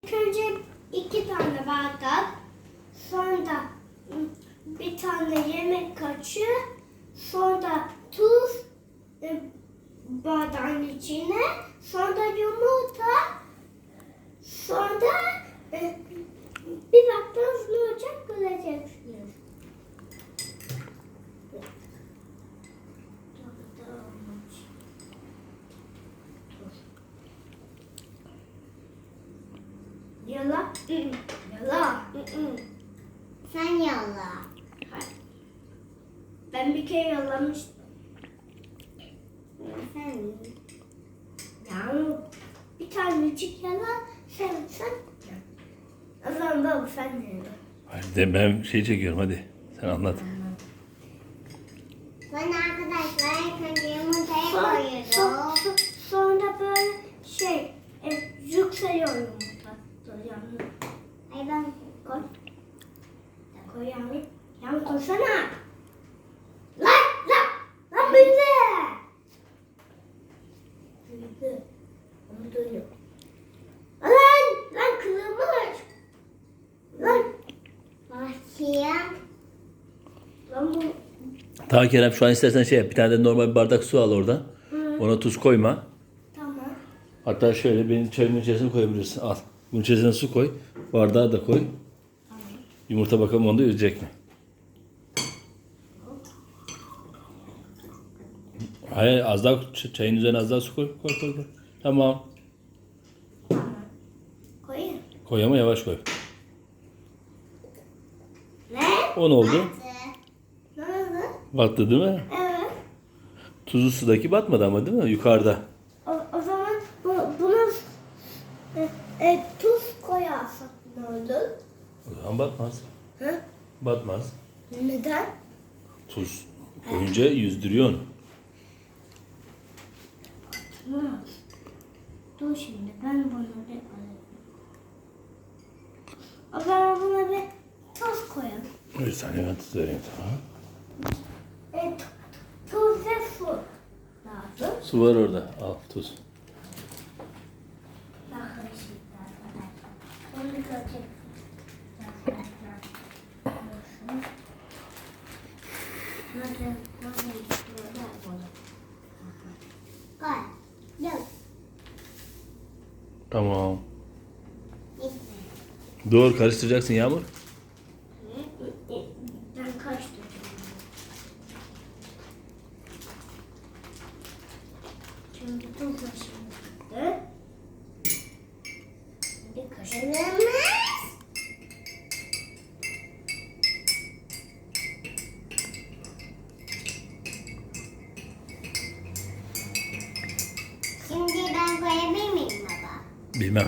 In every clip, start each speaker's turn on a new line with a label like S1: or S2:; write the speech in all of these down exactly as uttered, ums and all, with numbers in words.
S1: İlk önce iki tane bardak, sonra bir tane yemek kaşığı, sonra tuz e, bardağın içine, sonra yumurta, sonra e, bir baktınız ne olacak göreceksiniz. Yala. Yala.
S2: Sen yalla.
S1: Ben bir kere yalamıştım.
S2: Sen
S1: Yani bir tanecik yala, sen sen. O zaman baba sen de yala.
S3: Hayır de ben şey çekiyorum hadi. Sen anlat.
S2: Ben arkadaşlar ilk önce yumurtayı
S1: Sonra,
S2: koyuyorum.
S1: so- sonra böyle şey, e, yükseliyor yumurta. Dur yanına
S2: Ay ben
S1: koy. Koy yanına. Yanına koysana. Lan lan lan büyüdü. Büyüdü. Onu duyuyor. Lan lan kırılmış. Lan
S2: başlayayım.
S1: lan bu.
S3: Tamam Kerem şu an istersen şey yap. Bir tane de normal bir bardak su al orada.
S1: Hı.
S3: Ona tuz koyma.
S1: Tamam.
S3: Hatta şöyle benim çayımın içerisine koyabilirsin. Al. Bunun içerisine su koy. Bardağı da koy. Yumurta bakalım onda yüzecek mi? Hayır az daha çayın üzerine az daha su koy. Koy koy koy. Tamam.
S1: Koyayım.
S3: Koy ama yavaş koy.
S1: Ne?
S3: O ne oldu?
S1: Ne oldu?
S3: Battı değil mi?
S1: Evet.
S3: Tuzlu sudaki batmadı ama değil mi? Yukarıda.
S1: O, o zaman bu, bunu e, e, tuz koyarsak ne olur?
S3: O zaman batmaz.
S1: Hı?
S3: Batmaz.
S1: Neden?
S3: Tuz koyunca yüzdürüyor onu.
S1: Hı. Dur şimdi ben bunu bir alayım. O zaman buna bir tuz koyalım.
S3: Bir saniye ben tuz vereyim tamam.
S1: E, t- tuz ve su lazım.
S3: Su var orada. Al tuz.
S1: Bakın şimdi arkadaşlar. Onu göreceksiniz. Nasıl, nasıl böyle bunu?
S2: Koy. Yok.
S3: Tamam.
S2: İşte.
S3: Dur karıştıracaksın Yağmur.
S1: Ben karıştıracağım. Şimdi tuz kaşığını bir kaşık.
S2: Kırmızı. Şimdi ben koyabilir miyim baba?
S3: Bilmem.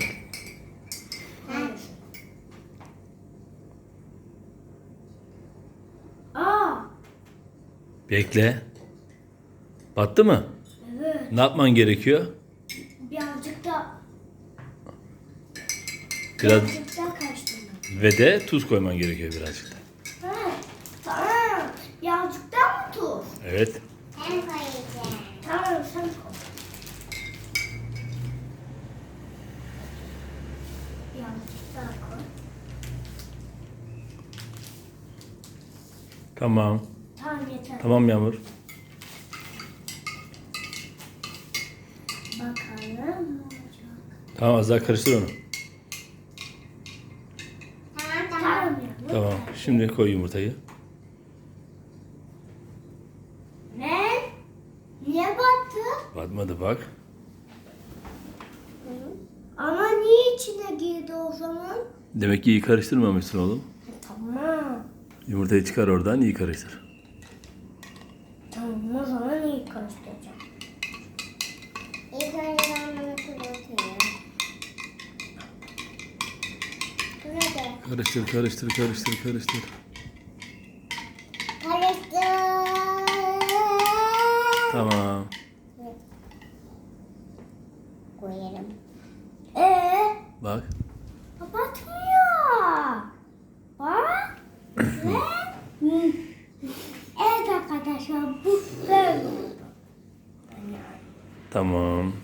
S1: Aa,
S3: Bekle. Battı mı?
S1: evet.
S3: Ne yapman gerekiyor?
S1: Birazcık da
S3: Biraz
S1: birazcık da karıştırmak.
S3: ve de tuz koyman gerekiyor birazcık da.
S1: Ha, tamam. Birazcık da mı tuz?
S3: Evet.
S2: Ben koyacağım.
S1: Tamam sen koy. Birazcık daha koy.
S3: Tamam.
S1: Tamam yeter.
S3: Tamam Yağmur.
S1: Bakalım ne olacak.
S3: Tamam az daha karıştır onu.
S2: Tamam tamam.
S1: Tamam ya.
S3: Tamam. Şimdi koy yumurtayı.
S1: Ne? Niye battı?
S3: Batmadı bak.
S1: Ama niye içine girdi o zaman?
S3: Demek ki iyi karıştırmamışsın oğlum.
S1: E, tamam.
S3: Yumurtayı çıkar oradan iyi karıştır.
S1: Tamam o zaman iyi karıştıracağım.
S2: İlk önce ben bunu kurutayım. Burada.
S3: Karıştır karıştır karıştır karıştır.
S2: Karıştır.
S3: Tamam.
S2: Koyarım.
S1: Ee,
S3: Bak.
S1: batmıyor. Bak. Ve Hı. Evet arkadaşlar bu böyle oldu.
S3: Tamam.